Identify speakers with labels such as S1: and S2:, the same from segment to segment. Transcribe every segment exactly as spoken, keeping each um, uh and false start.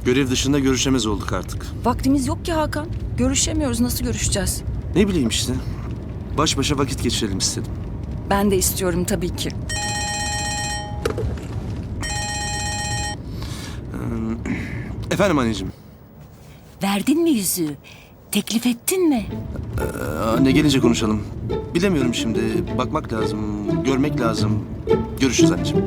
S1: Görev dışında görüşemez olduk artık.
S2: Vaktimiz yok ki Hakan. Görüşemiyoruz. Nasıl görüşeceğiz?
S1: Ne bileyim işte. Baş başa vakit geçirelim istedim.
S2: Ben de istiyorum tabii ki.
S1: Efendim anneciğim.
S3: Verdin mi yüzüğü? Teklif ettin mi?
S1: Anne gelince konuşalım. Bilemiyorum şimdi. Bakmak lazım, görmek lazım. Görüşürüz anneciğim.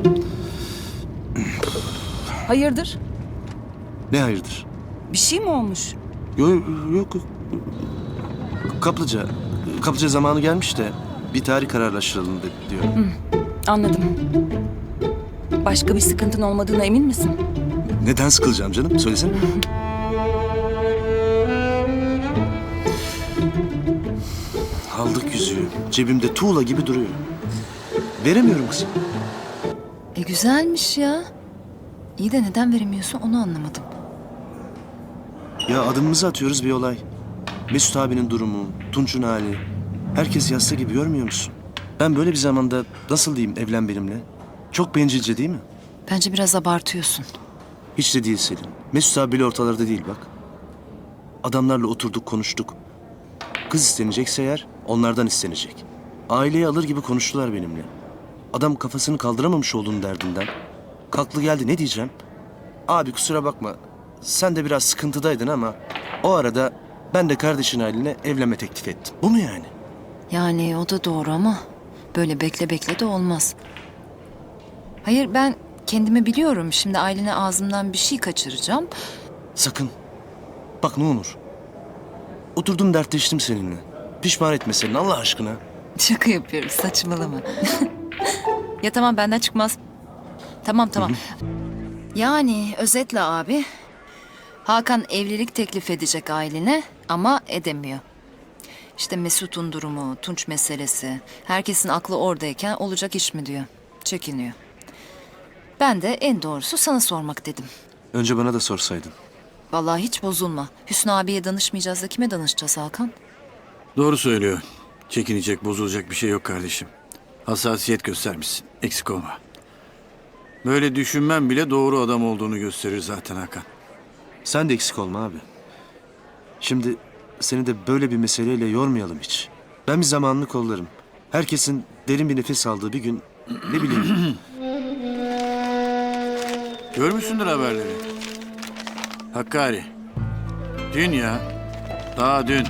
S2: Hayırdır?
S1: Ne hayırdır?
S2: Bir şey mi olmuş?
S1: Yok yok. yok. Kaplıca. Kaplıca zamanı gelmiş de bir tarih kararlaştıralım dedi diyor.
S2: Anladım. Başka bir sıkıntın olmadığına emin misin?
S1: Neden sıkılacağım canım? Söylesene. Aldık yüzüğü. Cebimde tuğla gibi duruyor. Veremiyorum kızım.
S4: E güzelmiş ya. İyi de neden veremiyorsun onu anlamadım.
S1: Ya adımımızı atıyoruz bir olay. Mesut abinin durumu, Tunç'un hali. Herkes yasta gibi görmüyor musun? Ben böyle bir zamanda nasıl diyeyim evlen benimle? Çok bencilce değil mi?
S4: Bence biraz abartıyorsun.
S1: Hiç de değil Selin. Mesut abi bile ortalarda değil bak. Adamlarla oturduk konuştuk. Kız istenecekse eğer onlardan istenecek. Aileyi alır gibi konuştular benimle. Adam kafasını kaldıramamış olduğunu derdinden. Kalklı geldi ne diyeceğim? Abi kusura bakma. Sen de biraz sıkıntıdaydın ama o arada ben de kardeşin haline evlenme teklif ettim. Bu mu yani?
S4: Yani o da doğru ama böyle bekle bekle de olmaz. Hayır ben kendimi biliyorum. Şimdi Aylin'e ağzımdan bir şey kaçıracağım.
S1: Sakın. Bak ne olur. Oturdum dertleştim seninle. Pişman etme seni Allah aşkına.
S4: Şaka yapıyorum saçmalama. Ya tamam benden çıkmaz. Tamam tamam. Yani özetle abi. Hakan evlilik teklif edecek Aylin'e ama edemiyor. İşte Mesut'un durumu, Tunç meselesi. Herkesin aklı oradayken olacak iş mi diyor. Çekiniyor. Ben de en doğrusu sana sormak dedim.
S1: Önce bana da sorsaydın.
S4: Vallahi hiç bozulma. Hüsnü abiye danışmayacağız da kime danışacağız Hakan?
S5: Doğru söylüyor. Çekinecek, bozulacak bir şey yok kardeşim. Hassasiyet göstermişsin. Eksik olma. Böyle düşünmem bile doğru adam olduğunu gösterir zaten Hakan.
S1: Sen de eksik olma abi. Şimdi seni de böyle bir meseleyle yormayalım hiç. Ben bir zamanını kollarım. Herkesin derin bir nefes aldığı bir gün ne bileyim.
S5: Görmüşsündür haberleri. Hakkari. Dün ya. Daha dün.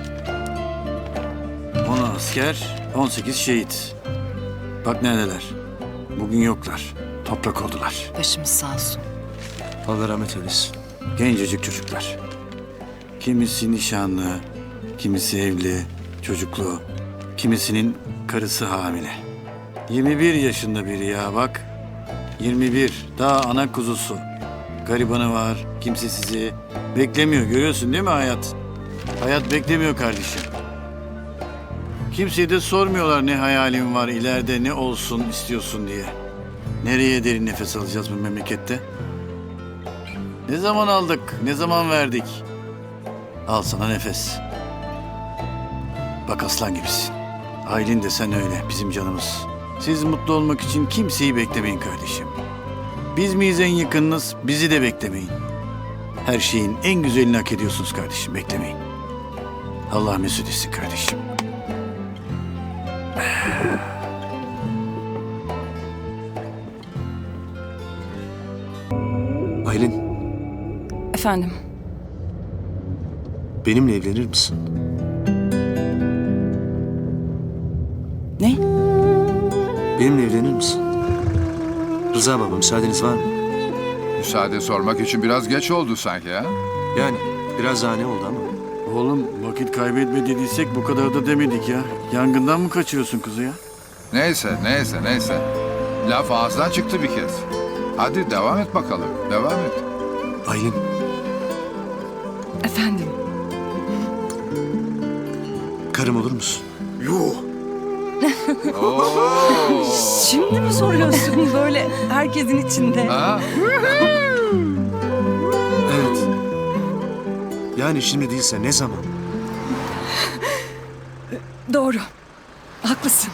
S5: on asker, on sekiz şehit. Bak neredeler. Bugün yoklar. Toprak oldular.
S4: Başımız sağ olsun.
S1: Allah rahmet eylesin.
S5: Gencecik çocuklar. Kimisi nişanlı, kimisi evli, çocuklu, kimisinin karısı hamile. yirmi bir yaşında biri ya bak. yirmi bir, daha ana kuzusu. Garibanı var, kimsesizi. Beklemiyor, görüyorsun değil mi hayat? Hayat beklemiyor kardeşim. Kimseye de sormuyorlar ne hayalin var, ileride ne olsun istiyorsun diye. Nereye derin nefes alacağız bu memlekette? Ne zaman aldık, ne zaman verdik? Al sana nefes. Bak aslan gibisin. Aylin de sen öyle, bizim canımız. Siz mutlu olmak için kimseyi beklemeyin kardeşim. Biz miyiz en yakınınız, bizi de beklemeyin. Her şeyin en güzelini hak ediyorsunuz kardeşim, beklemeyin. Allah mesut etsin kardeşim.
S1: Aylin,
S2: Efendim?
S1: benimle evlenir misin?
S2: Ne?
S1: Benimle evlenir misin? Rıza baba müsaadeniz var mı?
S6: Müsaade sormak için biraz geç oldu sanki ha?
S1: Yani biraz daha ne oldu ama.
S5: Oğlum vakit kaybetme dediysek bu kadar da demedik ya. Yangından mı kaçıyorsun kızı ya?
S6: Neyse, neyse, neyse. Laf ağızdan çıktı bir kez. Hadi devam et bakalım, devam et.
S1: Aylin,
S2: Efendim?
S1: karım olur musun?
S6: Oo.
S2: Şimdi mi soruyorsun böyle herkesin içinde?
S6: Ha?
S1: Evet. Yani şimdi değilse ne zaman?
S2: Doğru. Haklısın.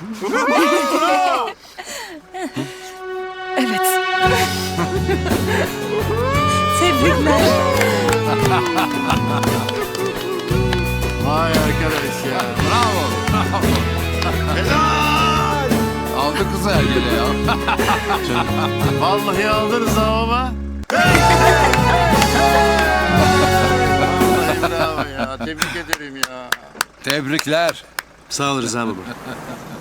S2: Evet. Tebrikler.
S5: Vay arkadaş ya.
S6: Bravo. Aldı kızı Ergel'e ya.
S5: Vallahi aldınız ha baba. Vallahi bravo ya. Tebrik ederim ya.
S6: Tebrikler.
S1: Sağ ol Rıza baba.